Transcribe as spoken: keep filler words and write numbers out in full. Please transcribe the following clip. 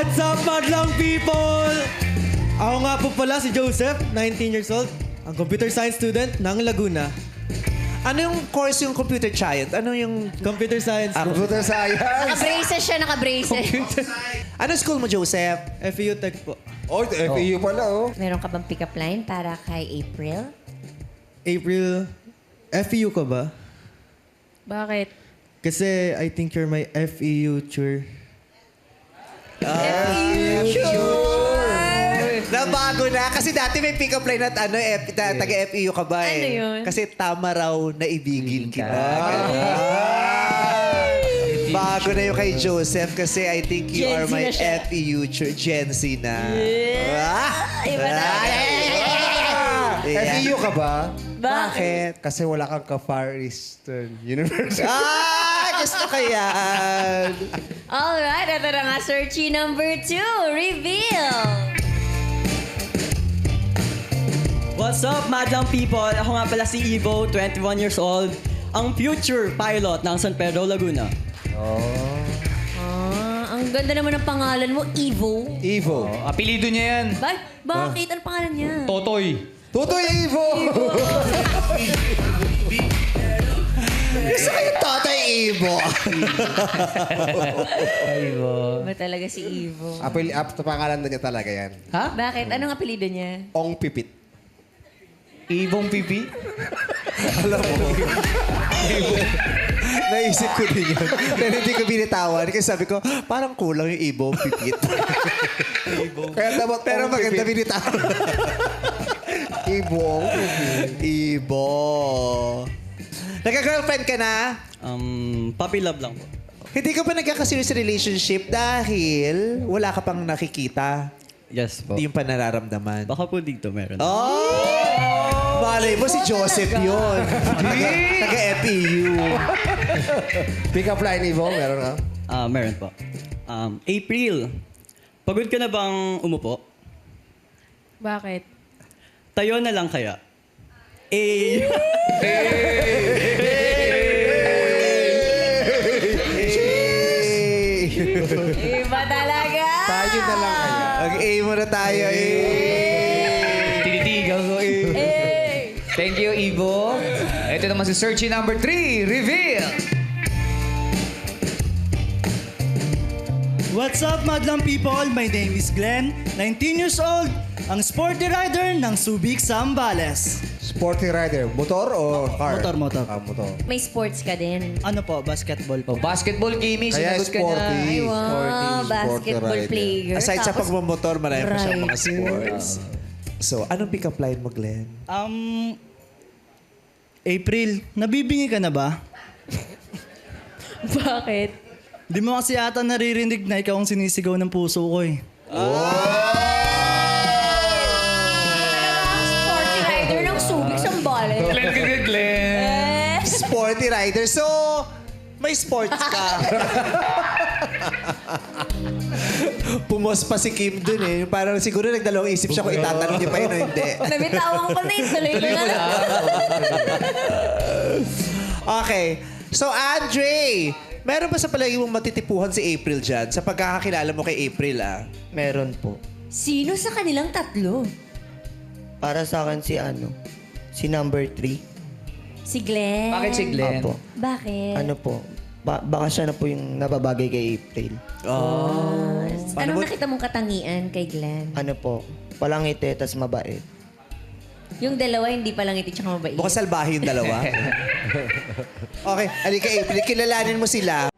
What's up, madlang people? Ako nga po pala si Joseph, nineteen years old, ang computer science student ng Laguna. Ano yung course yung computer science? Ano yung... Computer science po. Computer science. Naka-braces siya, naka-braces. Ano school mo, Joseph? F E U Tech po. Oh, F E U pala, oh. Meron ka bang pick-up line para kay April? April, F E U ka ba? Bakit? Kasi I think you're my F E U tour. Nabago na. Kasi dati may pick-up line at ano, F, ta, taga-F E U ka ba eh? Ano yun? Kasi tama raw na ibigin kita. Bago na yung kay Joseph kasi I think you Gen are Z my na siya. F E U ch- Gen Z na. Ah! Iba na. F E U ka ba? Bakit? Kasi wala kang ka-Far Eastern University. Ah! Gusto ko yan. Alright, ito na nga, searchy number two. Reveal! What's up, madlang people? Ako nga pala si Evo, twenty-one years old, ang future pilot ng San Pedro, Laguna. Ah, ang ganda naman ng pangalan mo, Evo. Evo. Apelido niya yan. Ba bakit? Ano pangalan niya? Totoy. Tutoy Evo! Gusto ko yung Totoy Ibo. Ba talaga si Evo? Apel, ap, pangalan na niya talaga yan. Ha? Bakit? Anong apelido niya? Ong Pipit. Ibong pipi? Naisip ko din yun. Pero hindi ko binitawan. Kasi sabi ko, parang kulang yung Ibo, pipit. Kaya dapat Pero Ong maganda Pipit. binitawan. Ibo, Ong Pipit. Ibo. Nagka-girlfriend ka na? Um, puppy love lang po. Hindi ka pa nagkaka-serious relationship dahil wala ka pang nakikita. Yes po. Hindi yung pa nararamdaman. Baka po dito meron. Oh! Malay mo si Joseph yun. Taga-F E U. Pick up line, Evo. Meron ka? Ah, meron po. Um, April, pagod ka na bang umupo? Bakit? Tayo na lang kaya. Eh, Iba talaga! Tayo na lang kaya. Mag-A muna tayo eh. Tinitigaw ko eh. Hey! Thank you, Ivo. Ito naman si searchy number three. Reveal! What's up, madlang people? My name is Glenn, nineteen years old, ang sporty rider ng Subic Zambales. Sporty rider. Motor o car? Motor, motor. Ah, motor. May sports ka din. Ano po, basketball Oh, po. basketball, Kimi. Kaya Sinagot ka sporty. niya. Ay, wow. Sporty, Basketball sporty rider. player. Aside sa Tapos, pagmamotor, marami pa siyang mga rider. sports. So, anong pick-up line mo, Glenn? Um, April, nabibingi ka na ba? Bakit? Di mo kasi ata naririnig na ikaw ang sinisigaw ng puso ko eh. Sporty rider ng Subic Zambales. Glenn, Glenn, Glenn. Eh? Sporty rider. So, may sports ka. Pumos pa si Kim dun eh. Parang siguro nagdalawang isip siya kung itatanong niya pa yun o hindi. Nabitawan ko na yun. Tuloy ko na lang. Okay. So, Andre, meron ba sa palagi mong matitipuhan si April dyan? Sa pagkakakilala mo kay April, ah? Meron po. Sino sa kanilang tatlo? Para sa akin si ano, si number three. Si Glenn. Bakit si Glenn? Apo. Bakit? Ano po, ba- baka siya na po yung nababagay kay April. Oh. Paano Anong mo- nakita mong katangian kay Glenn? Ano po, palangiti, tas mabait. Yung dalawa, hindi palang iti tsaka mabait. Mukhang salbahe yung dalawa. Okay, halika April. Kilalanin mo sila.